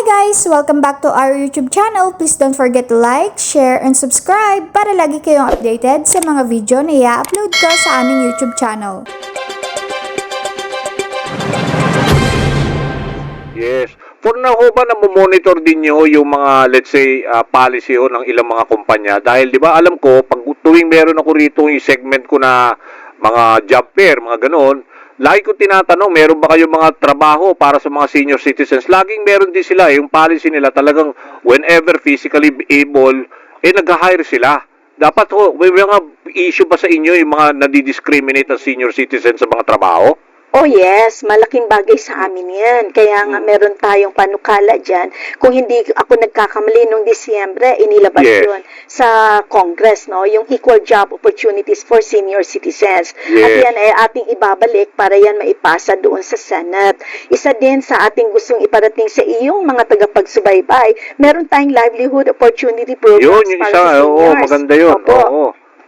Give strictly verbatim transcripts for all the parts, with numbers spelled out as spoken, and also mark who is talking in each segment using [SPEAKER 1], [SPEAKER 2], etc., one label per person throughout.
[SPEAKER 1] Hi guys! Welcome back to our YouTube channel. Please don't forget to like, share, and subscribe para lagi kayong updated sa mga video na i-upload ko sa aming YouTube channel.
[SPEAKER 2] Yes. For now ho ba na monitor din nyo yung mga, let's say, uh, policy ho ng ilang mga kumpanya? Dahil, di ba, alam ko, pag tuwing meron ako rito yung segment ko na mga job fair, mga ganon, lagi ko tinatanong, meron ba kayong mga trabaho para sa mga senior citizens? Laging meron din sila, yung policy nila talagang whenever physically able, eh nag-hire sila. Dapat ho, may mga issue ba sa inyo yung mga nadidiscriminate ang senior citizens sa mga trabaho?
[SPEAKER 3] Oh yes, malaking bagay sa amin yan. Kaya nga meron tayong panukala dyan. Kung hindi ako nagkakamali nung Disyembre, inilabas
[SPEAKER 2] Yes.
[SPEAKER 3] yun sa Congress, no? Yung Equal Job Opportunities for Senior Citizens. At
[SPEAKER 2] Yes.
[SPEAKER 3] yan ay ating ibabalik para yan maipasa doon sa Senate. Isa din sa ating gustong iparating sa iyong mga tagapagsubaybay, meron tayong livelihood opportunity programs
[SPEAKER 2] Yun, yung
[SPEAKER 3] para
[SPEAKER 2] isa,
[SPEAKER 3] sa
[SPEAKER 2] oo,
[SPEAKER 3] seniors.
[SPEAKER 2] maganda yun.
[SPEAKER 3] Opo.
[SPEAKER 2] Oo.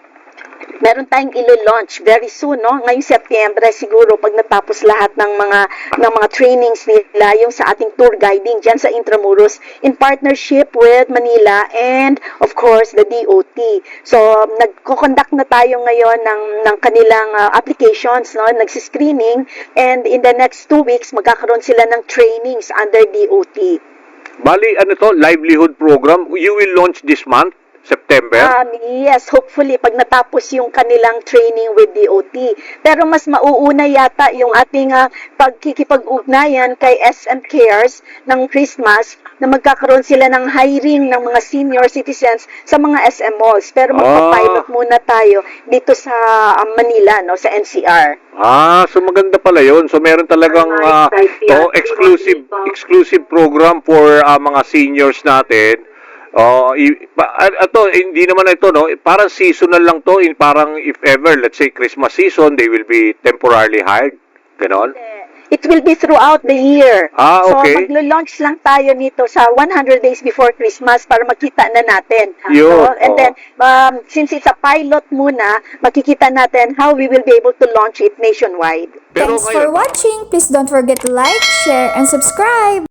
[SPEAKER 3] Meron tayong ilo-launch very soon, no? Ngayong Setyembre siguro pag natapos lahat ng mga ng mga trainings nila yung sa ating tour guiding diyan sa Intramuros in partnership with Manila and of course the D O T. So nagko-conduct na tayo ngayon ng ng kanilang uh, applications, no? Nagsi-screening and in the next two weeks magkakaroon sila ng trainings under D O T.
[SPEAKER 2] Bali, ano to, livelihood program, you will launch this month? September?
[SPEAKER 3] Um, yes, hopefully, pag natapos yung kanilang training with D O T. Pero mas mauuna yata yung ating uh, pagkikipag-ugnayan kay S M Cares ng Christmas na magkakaroon sila ng hiring ng mga senior citizens sa mga S M malls. Pero magpa-pilot muna tayo dito sa um, Manila, no, sa N C R.
[SPEAKER 2] Ah, so maganda pala yun. So meron talagang uh, to, exclusive exclusive program for uh, mga seniors natin. Oh, ito hindi naman ito no, parang seasonal lang to, in parang if ever let's say Christmas season, they will be temporarily hired. Ganon?
[SPEAKER 3] It will be throughout the year.
[SPEAKER 2] Ah, okay.
[SPEAKER 3] So, maglo-launch lang tayo nito sa one hundred days before Christmas para makita na natin.
[SPEAKER 2] Yun,
[SPEAKER 3] So, and
[SPEAKER 2] oh.
[SPEAKER 3] then, um, since it's a pilot muna, makikita natin how we will be able to launch it nationwide.
[SPEAKER 2] Pero
[SPEAKER 1] Thanks for
[SPEAKER 2] ngayon,
[SPEAKER 1] watching. Please don't forget to like, share, and subscribe.